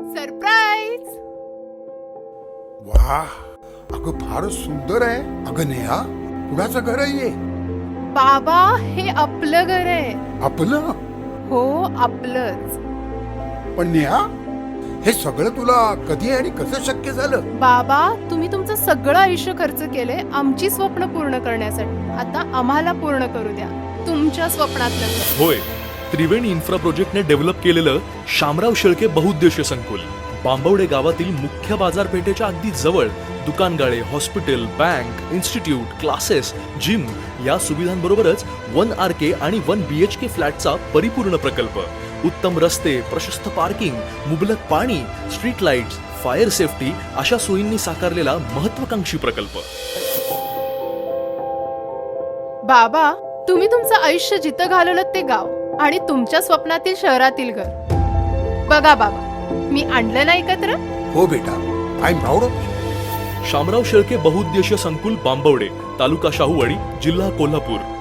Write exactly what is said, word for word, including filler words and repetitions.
Surprise. वा, अगं फारच सुंदर आहे. अगं नेहा, कुणाचं घर आहे हे? बाबा, हे आपलं घर आहे. आपलं? हो, आपलंच. पण नेहा, हे सगळं तुला कधी आणि कसं शक्य झालं? बाबा, तुम्ही तुमचं सगळं आयुष्य खर्च केले आमची स्वप्न पूर्ण करण्यासाठी. आता आम्हाला पूर्ण करू द्या तुमच्या स्वप्नातलं घर. होय, त्रिवेणी इन्फ्रा प्रोजेक्टने डेव्हलप केलेलं शामराव शेळके बहुउद्देशीय संकुल बांबवडे गावातील मुख्य बाजारपेठेच्या अगदी जवळ दुकानगाळे, hospital, bank, institute, classes, gym या सुविधांबरोबरच वन आर के आणि वन बी एच के फ्लॅटचा परिपूर्ण प्रकल्प. उत्तम रस्ते, प्रशस्त पार्किंग, मुबलक पाणी, स्ट्रीट लाईट्स, फायर सेफ्टी अशा सोयींनी साकारलेला महत्वाकांक्षी प्रकल्प. बाबा, तुम्ही तुमचं आयुष्य जिथं घालवलं ते गाव आणि तुमच्या स्वप्नातील शहरातील घर. बघा बाबा, मी आणलं ना एकत्र. हो बेटा, I am proud of. Shamrao Shelke बहुउद्देशीय संकुल बांबवडे, तालुका शाहूवाडी, जिल्हा कोल्हापूर.